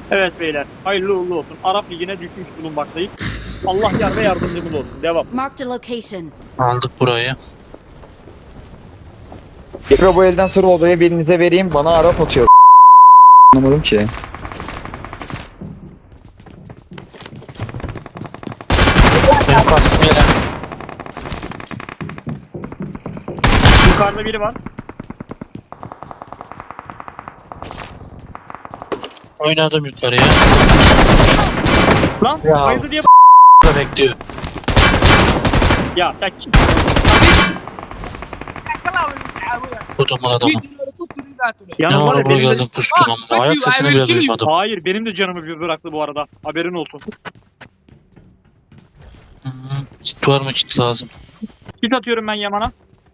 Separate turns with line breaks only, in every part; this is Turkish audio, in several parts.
Evet beyler, hayırlı uğurlu olsun. Arap Ligi'ne düşmüş bulunmaktayız. Allah yar ve yardımcımız olsun. Devam.
Marked a location.
Aldık burayı.
Tekrar bu elden sonra odaya birinize vereyim. Bana Arap atıyor. Anlamadım ki.
Benim kastım yere.
Yukarıda biri var.
Oynadım yukarıya.
Lan
Ya.
bayıldı diye
Burada bekliyor.
ya sen kim?
Kodumun adamı. Ne
Yanım var
ara
ya
buraya
benim de...
geldin puştun ama. Ayak sesini bile duymadım.
Hayır benim de canımı bir bıraktı bu arada. Haberin olsun.
Hı, kit var mı, kit lazım.
Kit atıyorum ben Yaman'a.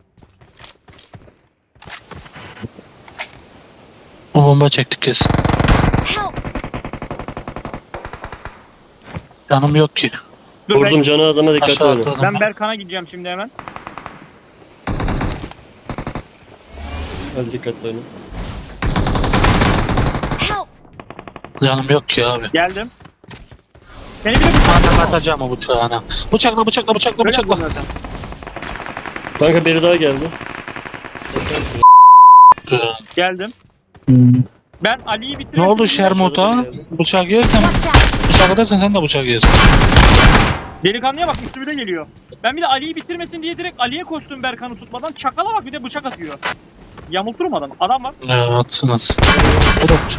O bomba çektik kesin.
Help!
Canım yok ki.
Dur
Vurdum canı adama dikkatli
Aşağı
olun.
atladım.
ben Berkan'a gideceğim şimdi hemen.
Hadi dikkatli olun.
Help!
Canım yok ki abi.
Geldim. Seni bir de
Zaten atacağım o bıçağına. Bıçakla bıçakla bıçakla bıçakla.
Kanka biri daha geldi.
Geldim. Ben Ali'yi
Ne
bitirmek
oldu
için-
Şermut'a? Bıçak yersen,
Watch out!
bıçak edersen sen de bıçak yersin.
Delikanlıya bak üstüme de geliyor. Ben bir de Ali'yi bitirmesin diye direkt Ali'ye koştum Berkan'ı tutmadan. Çakala bak bir de bıçak atıyor. Yamulturum adamı. Adam var.
Ya atsın atsın. O da bıçak.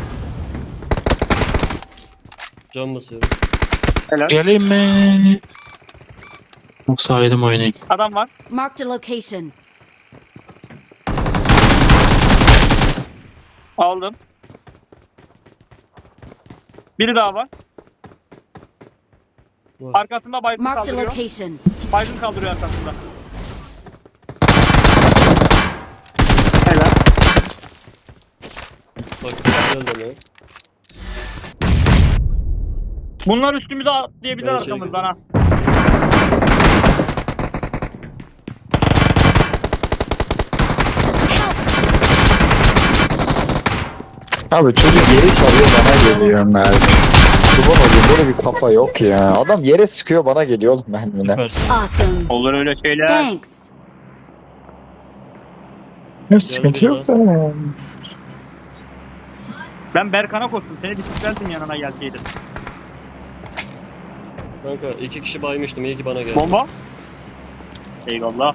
Can basıyorum.
Helal.
Geleyim mi? Yoksa ayrım oynayayım.
Adam var.
Marked a location.
Aldım. Biri daha var.
Var.
Arkasında baygın
Marked a
kaldırıyor.
location.
Baygın kaldırıyor arkasında. Helal.
Bak güzel deme.
Bunlar üstümüze atlayabilir
Ben şey
arkamızdan ha.
Abi çocuk yeri çalıyor bana geliyor mermi. Kurban olayım böyle bir kafa yok ya. Adam yere sıkıyor bana geliyor oğlum mermine.
Süpersin.
Awesome.
Olur öyle şeyler.
Thanks.
Yok sıkıntı yok da.
Ben Berkan'a koştum. Seni bisikletin yanına gelseydim.
Kanka 2 kişi baymıştım. İyi ki bana geldi.
Bomba. Eyvallah.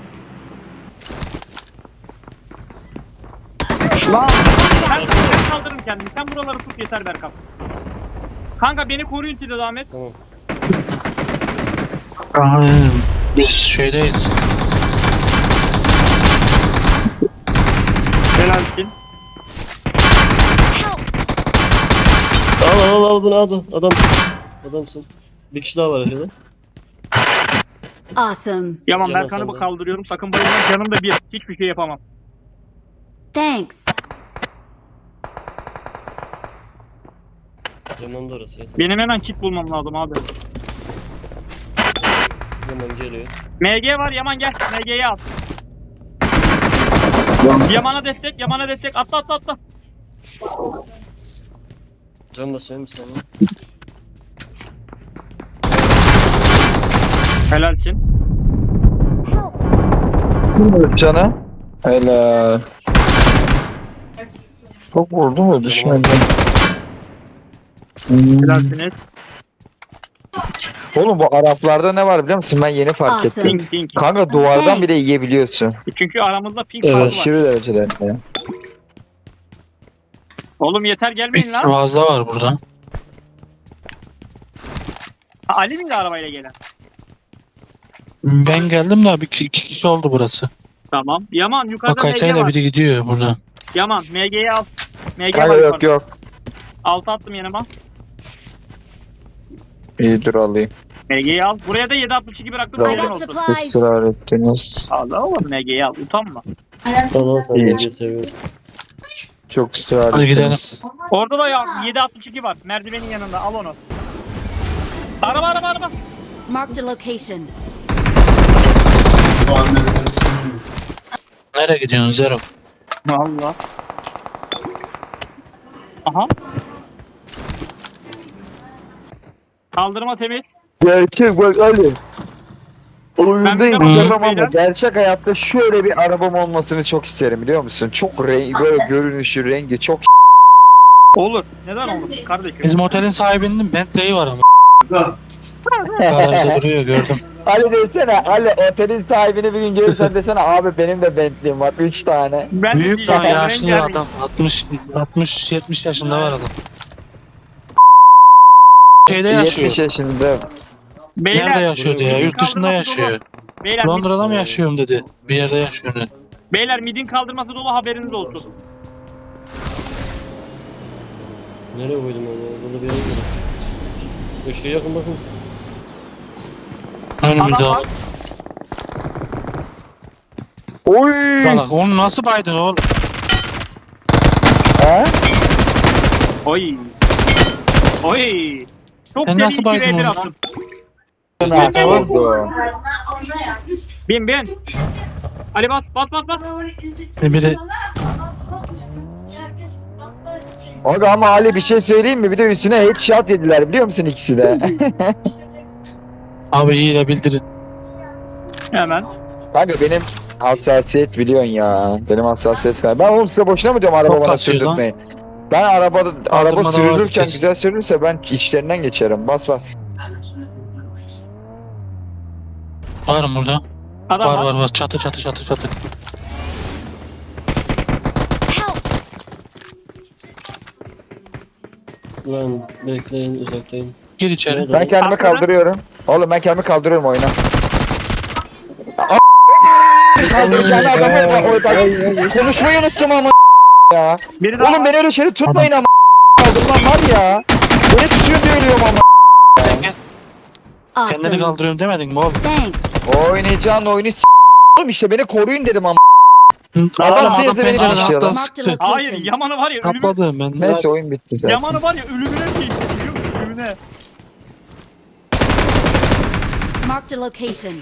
Lan ben kaldırırım kendimi. Sen buraları tut yeter Berkan. Kanka beni koruyun siz de Ahmet.
Tamam.
Aynen. Biz şeydeyiz.
Helalsin.
Help!
Al bunu al. Adamsın. Bir kişi daha var aşağıda.
Awesome.
Yaman
Yaman
Berkan'ı
senden.
kaldırıyorum. Sakın bayılma. Canım da bir. Hiçbir şey yapamam.
Thanks.
Yaman da orası.
Benim hemen kit bulmam lazım abi.
Yaman geliyor.
MG var Yaman gel. MG'yi al. Yaman'a destek. Yaman'a destek. Atla atla atla.
Can basıyorum bir saniye.
Helalsin.
Cana. Helal. Çok vurdu mu düşmedi.
Helalsiniz.
Oğlum bu Araplarda ne var biliyor musun? Ben yeni fark
Awesome.
ettim.
Ping ping.
Kanka duvardan bile yiyebiliyorsun.
Çünkü aramızda ping
Evet.
farkı var.
Aşırı derecede. Ya.
Oğlum yeter gelmeyin
Bir
lan.
fazla var burada.
Ha, Ali miydi arabayla gelen?
Ben geldim de iki kişi oldu burası.
Tamam. Yaman
Bak
yukarıda MG
kaykayla
var.
biri gidiyor burada.
Yaman MG'yi al. MG
Kanka
var
yok
yukarıda.
yok.
Altı attım yanıma.
İyi dur alayım.
MG'yi al. Buraya da 7.62 bıraktım.
Tamam.
I
Haberin
got
olsun.
supplies.
Israr ettiniz.
Allah oğlum MG'yi al. Utanma.
Tamam sen
İyi.
de seviyorum.
Çok ısrar
Hadi gidelim.
ettiniz.
Orada da ya 7.62 var. Merdivenin yanında. Al onu. Araba.
Marked a location.
Nereye gidiyorsun Zero?
Allah. Aha. Kaldırma temiz.
Gerçek bak Ali. Oyunda
Ben bir de
istemem
bakıyorum
ama
beyler.
gerçek hayatta şöyle bir arabam olmasını çok isterim biliyor musun? Çok böyle görünüşü, rengi çok
Olur. Neden olmasın kardeşim?
Bizim otelin sahibinin Bentley'i var ama. Garajda duruyor gördüm.
Ali desene, Ali otelin sahibini bir gün görürsen desene abi benim de Bentley'im var 3 tane.
Ben de
Büyük
diyeceğim.
daha
ya,
yaşlı
rengarenk.
adam. 60-70 yaşında var adam. Şeyde
70
yaşıyor.
yaşında.
Nerede
Beyler.
yaşıyordu ya? Yurt dışında
kaldırması
yaşıyor.
dolu. Beyler,
Londra'da mı yaşıyorum dedi. Bir yerde yaşıyor.
beyler midin kaldırması dolu haberiniz olsun.
Nereye koydum onu? Burada bir yere koydum. Işığı yakın bakın.
Önümüzde
Adam var.
al.
Oy!
Bak onu nasıl baydın oğlum?
Ha?
Oy. Oy. Çok
Sen
deli
nasıl
iki
baydın
V1
onu?
attım.
Ne oldu?
Bin. Ali bas.
Bir de
Abi ama Ali bir şey söyleyeyim mi? Bir de üstüne headshot yediler biliyor musun ikisi de?
abi iyi de bildirin.
Hemen.
Kanka benim hassasiyet biliyorsun ya. Benim hassasiyet var. Ben oğlum size boşuna mı diyorum araba
Çok
bana
kasıyor lan.
sürdürtmeyin. Ben araba
Kaldırmada var
sürülürken
kesin.
güzel sürülürse ben içlerinden geçerim. Bas.
Var mı burada?
Adam var.
Var. Çatı.
Help!
Lan bekleyin uzaklayın.
Gir içeri.
Ben kendimi
Arkada.
kaldırıyorum. Oğlum ben kendimi kaldırıyorum oyuna. Kaldıracağım adamı. Konuşmayı unuttum ama ya.
Biri daha
Oğlum
var.
beni öyle şeyleri tutmayın ama kaldırmam var ya. Beni tutuyor diye ölüyorum ama.
Kendini
Awesome.
kaldırıyorum demedin mi oğlum?
Thanks.
Oynayacağın oyunu oğlum işte beni koruyun dedim ama.
Adam
Adam seyirse beni
pencereden
konuşuyor lan.
atladı
Marked
sıktı.
location.
Hayır Yaman'ı var ya ölümüne.
Kapladım ben.
Neyse oyun bitti zaten.
Yaman'ı var ya ölümüne şey biliyor musun? Ölümüne.
Marked a location.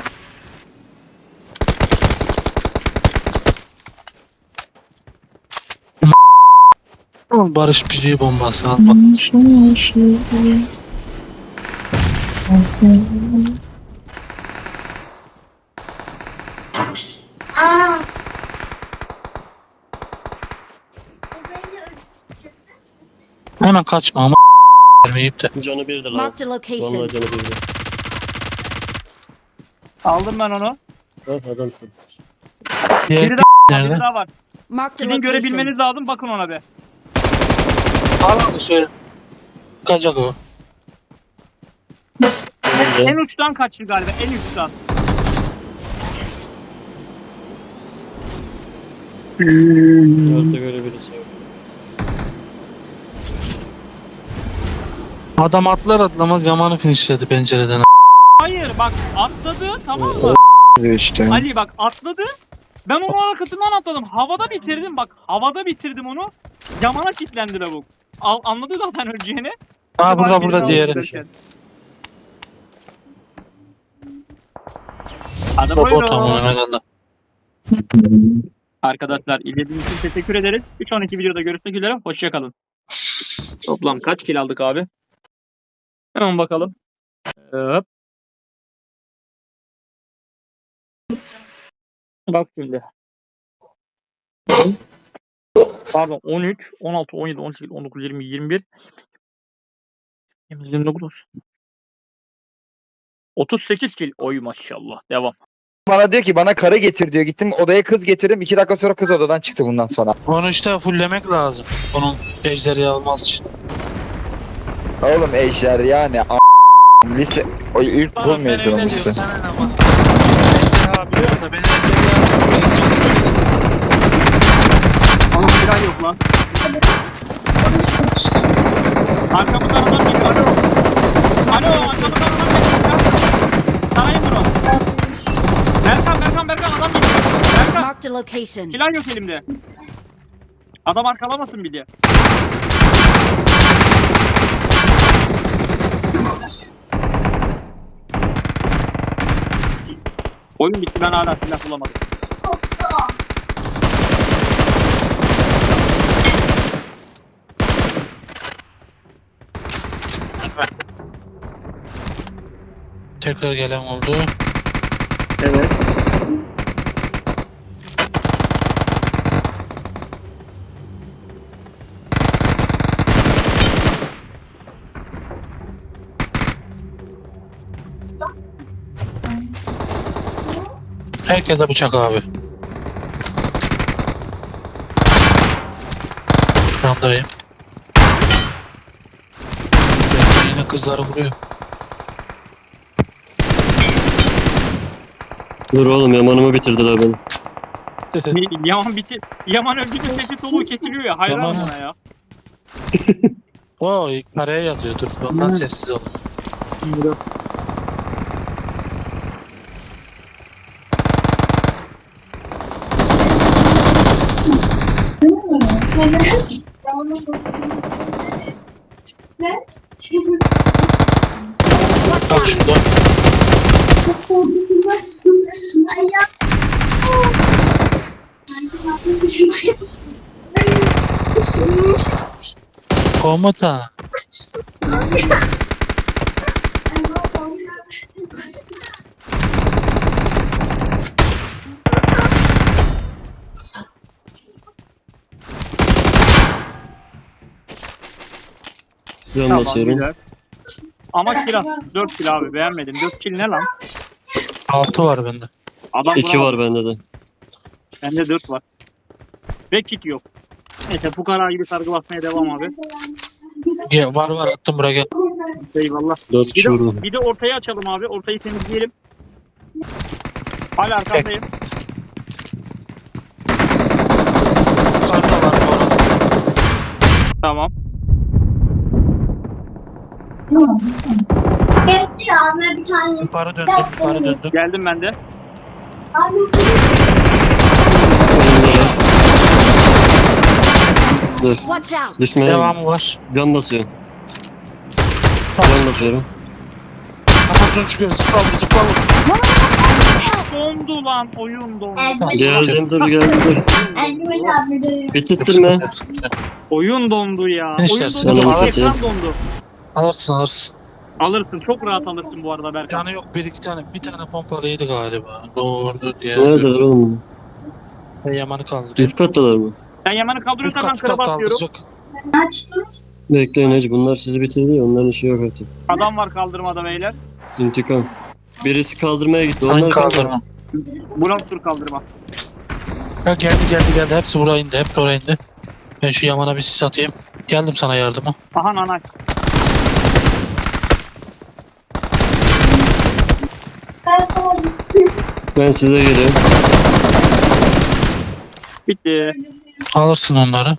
Barış Pişiği bombası al bak. Hemen kaçma ama vermeyip de.
Canı bir de lan.
Marked a
Vallahi
location.
canı bir de.
Aldım ben onu.
Bak adamsın.
Diğer
Biri
nerede?
Biri daha var.
Marked a
Sizin
location.
görebilmeniz lazım bakın ona be.
Al onu söyle. Kaçacak o.
En uçtan kaçtı galiba en uçtan.
Dörtte göre birisi yok.
Adam atlar atlamaz Yaman'ı finishledi pencereden.
Hayır bak atladı tamam mı?
İşte.
Ali bak atladı. Ben onun arkasından atladım. Havada bitirdim bak. Havada bitirdim onu. Yaman'a kilitlendi lavuk. Anladı zaten öleceğini.
Ha burada
Birini
diğeri.
aldı. Hadi
O tamam
buyurun.
herhalde.
Arkadaşlar izlediğiniz için teşekkür ederiz. Bir sonraki videoda görüşmek üzere. Hoşçakalın. Toplam kaç kill aldık abi? Hemen bakalım. Hop. Bak şimdi. Pardon 13, 16, 17, 18, 19, 20, 21, 29, 38 kill. Oy maşallah. Devam.
Bana diyor ki bana karı getir diyor. Gittim odaya kız getirdim. 2 dakika sonra kız odadan çıktı bundan sonra.
Onu işte fulllemek lazım. Onun ejderi almaz için.
Oğlum ejder yani lise o ilkokul mezunu musun?
Ama silah yok lan. Arkamızdan adam geliyor. Alo. Alo arkamızdan adam geliyor. Sarayım bunu. Berkan adam geliyor. Berkan
Marked a location.
silah yok elimde. Adam arkalamasın bir de. Oyun bitti ben hala silah bulamadım.
Tekrar gelen oldu.
Evet.
Herkese bıçak abi. Randayım. Yine kızları vuruyor.
Dur oğlum yamanımı bitirdiler beni.
Yaman bitir. Yaman öldüğünde sesi soluğu kesiliyor ya. Hayranım
Yaman-
ona ya.
O kareye yazıyordur. Ondan sessiz olun. Bak şurada. Komutan.
Can
Tamam
basıyorum.
güzel. Ama kill 4 kill abi beğenmedim. 4 kill ne lan?
6 var bende.
Adam
2
vuramadı.
var bende de.
Bende 4 var. Ve kit yok. Neyse fukara gibi sargı basmaya devam abi.
Ya, var attım buraya gel.
Eyvallah.
4
Bir
kişi vurdum.
de ortayı açalım abi. Ortayı temizleyelim. Hala arkandayım.
Yukarıda var bu arada.
Tamam.
Geçti abi bir tane.
Yukarı döndüm.
Geldim ben de.
Abi
Dur.
Watch out!
Düşmeye
Devamı var.
can basıyorum. Can basıyorum.
Kafasını çıkıyor. Zıpla vur.
Dondu lan. Oyun dondu.
Geldim dur geldim dur.
Elbet abi de.
Bitirttirme.
Oyun dondu ya.
Ne
Oyun
işlersin?
dondu.
Ananı
Ekran dondu.
Alırsın.
Alırsın. Çok rahat alırsın bu arada Berkan.
Canı yok bir tane pompalıydı galiba. Doğru diye.
Neredeler oğlum?
Ben Yaman'ı kaldırıyor.
Üst kattalar mı?
Sen Yaman'ı kaldırıyorsan ben
Üst kat
kıraba atıyorum.
kaldıracak.
Açtım.
Bekleyin hacı bunlar sizi bitirdi ya onların işi yok artık.
Adam var kaldırmada beyler.
İntikam. Birisi kaldırmaya gitti.
Hangi
Onlar
kaldırma?
Blok tur kaldırma.
Ya geldi. Hepsi buraya indi. Ben şu Yaman'a bir sis atayım. Geldim sana yardıma.
Aha nanay.
Ben size geliyorum.
Bitti.
Alırsın onları.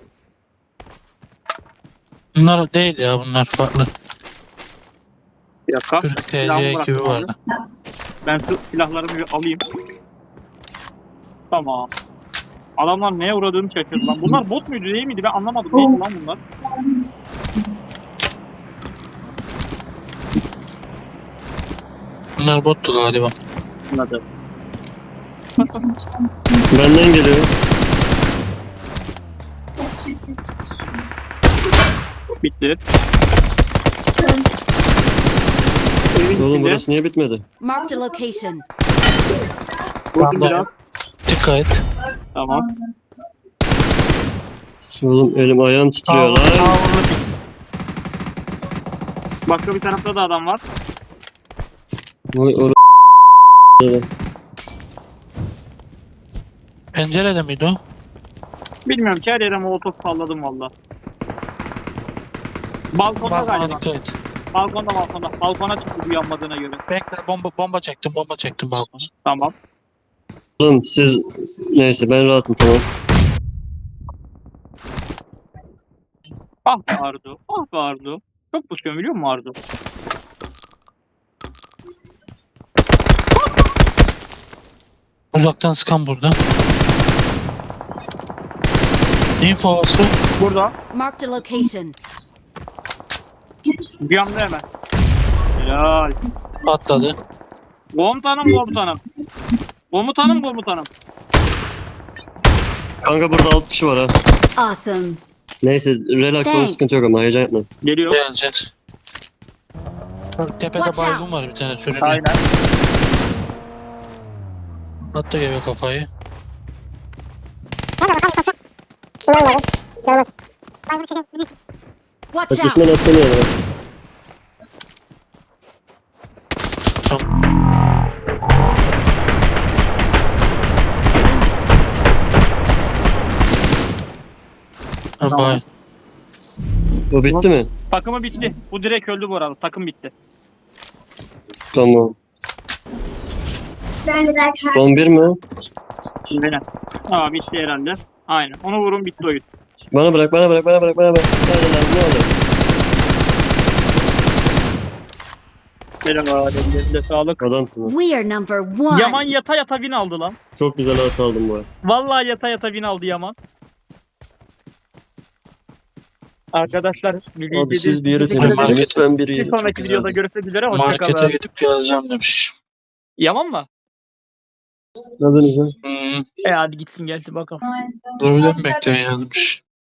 Bunlar değil ya bunlar farklı.
Bir dakika.
Türk
Silahımı
TC ekibi
bıraktım abi.
vardı.
Ben şu silahlarımı bir alayım. Tamam. Adamlar neye uğradığını şaşırdı lan. Bunlar bot muydu değil miydi? Ben anlamadım. Neydi lan bunlar?
Bunlar bottu galiba.
Anladım.
Benden geliyor.
Bitti. Evin
Oğlum
içinde.
burası niye bitmedi?
Marked a location.
Vurdum
Tamam.
biraz.
Dikkat et.
Tamam.
Oğlum elim ayağım titriyor lan.
Başka bir tarafta da adam var.
Vay or
Pencerede miydi o?
Bilmiyorum ki her yere molotof salladım valla. Balkonda
Balkona
galiba.
dikkat et.
Balkonda. Balkona çıktı bu yanmadığına göre.
Bekle bomba çektim balkona.
Tamam.
Oğlum siz neyse ben rahatım tamam.
Ah be Ardu. Ah be Ardu. Çok pusuyorum biliyor musun Ardu?
Uzaktan sıkan burada. Info olsun.
Burada.
Marked a location.
Bir anda hemen. Helal.
Atladı.
Komutanım. Komutanım.
Kanka burada 6 kişi var ha.
Awesome.
Neyse relax ol
Thanks.
sıkıntı yok ama heyecan yapma.
Geliyor.
Gelecek. Bak, tepede
Watch
baygın
out.
var bir tane sürünüyor.
Aynen.
Attı geliyor kafayı.
Watch
Bak
out!
düşman atlanıyor bana.
Ha,
Tamam.
bay.
O bitti mi?
Takımı bitti. Bu direkt öldü bu arada. Takım bitti.
Tamam.
Ben de belki
Son bir mi?
Aynen. Aa bitti herhalde. Aynen. Onu vurun bitti oyun.
Bana bırak. Aynen abi, ne olur.
Merhaba. Ellerine sağlık.
Adamsın.
We are number one.
Yaman yata yata win aldı lan.
Çok güzel at aldım bu arada.
Vallahi yata yata win aldı Yaman. Arkadaşlar
Abi siz bir yere
teşekkür ederim.
temizlediniz. Ben bir
Bir
yere.
sonraki videoda görüşmek üzere.
Markete
Hoşçakalın.
gidip geleceğim demiş.
Yaman mı?
Adınız ne?
Hmm.
Hadi gitsin gelsin bakalım.
Dur bir de mi bekleyin yazmış.